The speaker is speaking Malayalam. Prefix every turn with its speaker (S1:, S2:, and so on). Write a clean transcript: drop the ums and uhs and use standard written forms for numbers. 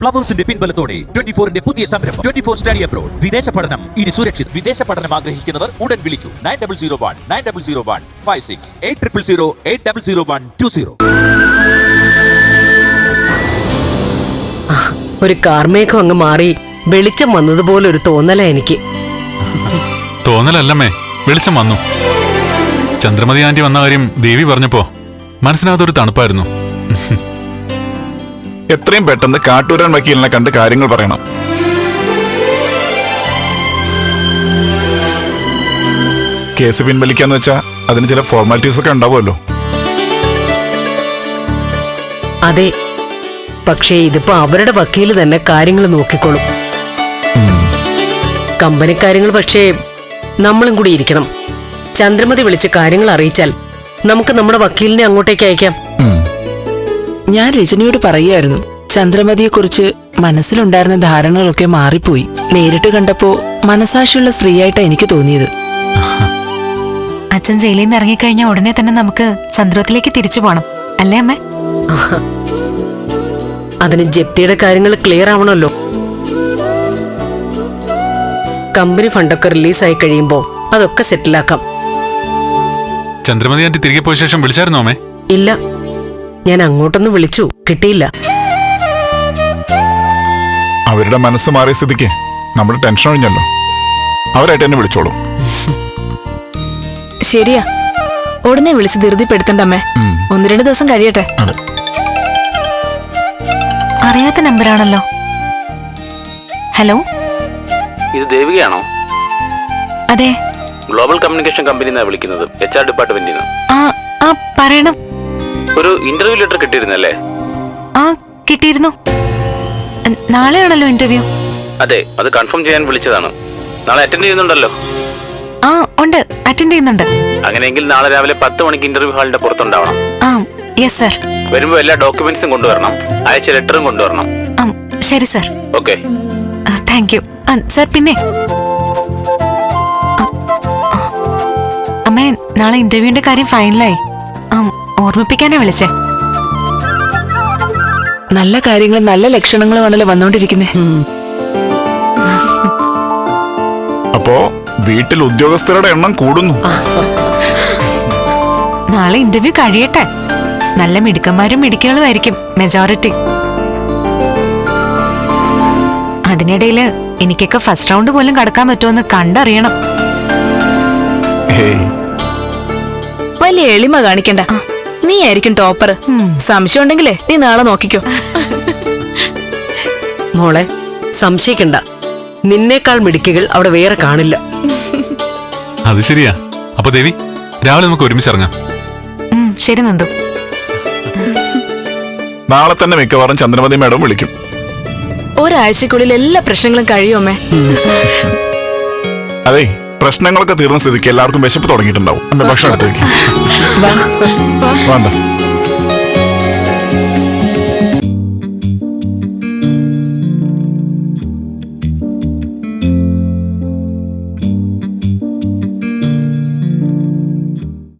S1: ഫ്ലവേഴ്സിന്റെ പിൻബലത്തോടെ 24ന്റെ പുതിയ സംരംഭം 24 സ്റ്റഡി അബ്രോഡ്. വിദേശ പഠനം ഇനി സുരക്ഷിത്. വിദേശ പഠനം ആഗ്രഹിക്കുന്നവർ ഉടൻ വിളിക്കൂ 9001 56 800120.
S2: ഒരു കാർമേഘം അങ്ങ് മാറി വെളിച്ചം വന്നതുപോലെ ഒരു തോന്നല എനിക്ക്.
S3: തോന്നലല്ലമ്മേ, വെളിച്ചം വന്നു. ചന്ദ്രമതി ആന്റി വന്ന കാര്യം ദേവി പറഞ്ഞപ്പോ മനസ്സിനകത്തൊരു തണുപ്പായിരുന്നു.
S4: എത്രയും പെട്ടെന്ന് കാട്ടൂരാൻ വക്കീലിനെ കണ്ട് കാര്യങ്ങൾ പറയണം. കേസ് പിൻവലിക്കാന്ന് വെച്ചാ അതിന് ചില ഫോർമാലിറ്റീസ് ഒക്കെ ഉണ്ടാവുമല്ലോ.
S2: അതെ, പക്ഷേ ഇതിപ്പോ അവരുടെ വക്കീല് തന്നെ കാര്യങ്ങൾ നോക്കിക്കോളും. കമ്പനി കാര്യങ്ങൾ പക്ഷേ നമ്മളും കൂടി ഇരിക്കണം. ചന്ദ്രമതി വിളിച്ച് കാര്യങ്ങൾ അറിയിച്ചാൽ നമുക്ക് നമ്മുടെ വക്കീലിനെ അങ്ങോട്ടേക്ക് അയക്കാം.
S5: ഞാൻ രജനിയോട് പറയുമായിരുന്നു, ചന്ദ്രമതിയെക്കുറിച്ച് മനസ്സിലുണ്ടായിരുന്ന ധാരണകളൊക്കെ മാറിപ്പോയി. നേരിട്ട് കണ്ടപ്പോ മനസാക്ഷിയുള്ള സ്ത്രീയായിട്ടാ എനിക്ക് തോന്നിയത്.
S6: അച്ഛൻ ജയിലിൽ നിന്ന് ഇറങ്ങിക്കഴിഞ്ഞാൽ ഉടനെ തന്നെ നമുക്ക് ചന്ദ്രത്തിലേക്ക് തിരിച്ചു പോണം, അല്ലേ അമ്മേ?
S2: അതിന് ജപ്തിയുടെ കാര്യങ്ങൾ ക്ലിയർ ആവണമല്ലോ. കമ്പനി ഫണ്ടൊക്കെ റിലീസായി കഴിയുമ്പോ അതൊക്കെ സെറ്റിലാക്കാം.
S3: ചന്ദ്രമതി ആന്റി തിരികെ പോയ ശേഷം വിളിച്ചായിരുന്നോ അമ്മേ?
S2: ഇല്ല, ഞാൻ അങ്ങോട്ടൊന്ന് വിളിച്ചു, കിട്ടിയില്ല.
S4: അവരുടെ മനസ്സ് മാറിയ സ്ഥിതിക്ക് നമ്മൾ ടെൻഷൻ ഒഴിഞ്ഞല്ലോ. അവരായിട്ട് എന്നെ വിളിച്ചോളൂ.
S7: ശരിയാ, ഉടനെ വിളിച്ച് ധൃതിപ്പെടുത്തണ്ടമ്മേ. 1-2 ദിവസം കഴിയട്ടെ.
S6: അറിയാത്ത നമ്പറാണല്ലോ. ഹലോ,
S8: ഇത് ദേവികയാണോ?
S6: അതെ,
S8: ഗ്ലോബൽ കമ്മ്യൂണിക്കേഷൻ കമ്പനിന്നാണ് വിളിക്കുന്നത്, HR ഡിപ്പാർട്ട്മെന്റിൽ നിന്ന്.
S6: ആ പറയണം.
S8: ഒരു ഇന്റർവ്യൂ ലെറ്റർ കിട്ടിയിരുന്നല്ലേ?
S6: ആ കിട്ടിയിരുന്നു. നാളെയാണല്ലോ ഇന്റർവ്യൂ.
S8: അതെ, അത് കൺഫേം ചെയ്യാൻ വിളിച്ചതാണ്. നാളെ അറ്റൻഡ് ചെയ്യുന്നുണ്ടല്ലോ?
S6: ആ ഉണ്ട്, അറ്റൻഡ് ചെയ്യുന്നുണ്ട്.
S8: അങ്ങനെയെങ്കിൽ നാളെ രാവിലെ 10 മണിക്ക് ഇന്റർവ്യൂ ഹാളിന്റെ പുറത്തുണ്ടാവണം.
S6: ആ യെസ് സർ.
S8: വരുമ്പോ എല്ലാ ഡോക്യുമെന്റ്സും കൊണ്ടുവരണം, അയച്ച ലെറ്ററും കൊണ്ടുവരണം.
S6: ശരി sir.
S8: Okay,
S6: thank you sir. പിന്നെ അമ്മേ, നാളെ ഇന്റർവ്യൂവിന്റെ കാര്യം ഫൈനലായി. ഓർമ്മിപ്പിക്കാനാ വിളിച്ചേ.
S5: നല്ല കാര്യങ്ങളും നല്ല ലക്ഷണങ്ങളുമാണല്ലോ വന്നോണ്ടിരിക്കുന്നേ.
S4: അപ്പോ വീട്ടിൽ ഉദ്യോഗസ്ഥരുടെ എണ്ണം കൂടുന്നു.
S6: നാളെ ഇന്റർവ്യൂ കഴിയട്ടെ. നല്ല മിടുക്കന്മാരും മിടുക്കികളും ആയിരിക്കും മെജോറിറ്റി. അതിനിടയില് എനിക്കൊക്കെ ഫസ്റ്റ് റൗണ്ട് പോലും കടക്കാൻ പറ്റുമെന്ന് കണ്ടറിയണം.
S7: വലിയ എളിമ കാണിക്കണ്ട, നീ ആയിരിക്കും ടോപ്പർ. സംശയം ഉണ്ടെങ്കിലേ നീ നാളെ നോക്കിക്കോ.
S2: മോളെ, സംശയിക്കണ്ട, നിന്നേക്കാൾ മിടുക്കികൾ അവിടെ വേറെ കാണില്ല.
S3: അത് ശരിയാ. അപ്പൊ ദേവി, രാവിലെ നമുക്ക് ഒരുമിച്ച് ഇറങ്ങാം.
S6: ശരി നന്ദു.
S4: നാളെ തന്നെ മിക്കവാറും ചന്ദ്രമതി മാഡം വിളിക്കും.
S7: ഒരാഴ്ചക്കുള്ളിൽ എല്ലാ പ്രശ്നങ്ങളും കഴിയുമേ.
S4: അതെ, പ്രശ്നങ്ങളൊക്കെ തീർന്ന സ്ഥിതിക്ക് എല്ലാവർക്കും വിശപ്പ് തുടങ്ങിയിട്ടുണ്ടാവും. ഭക്ഷണം എടുത്ത് വെക്കും. വേണ്ട.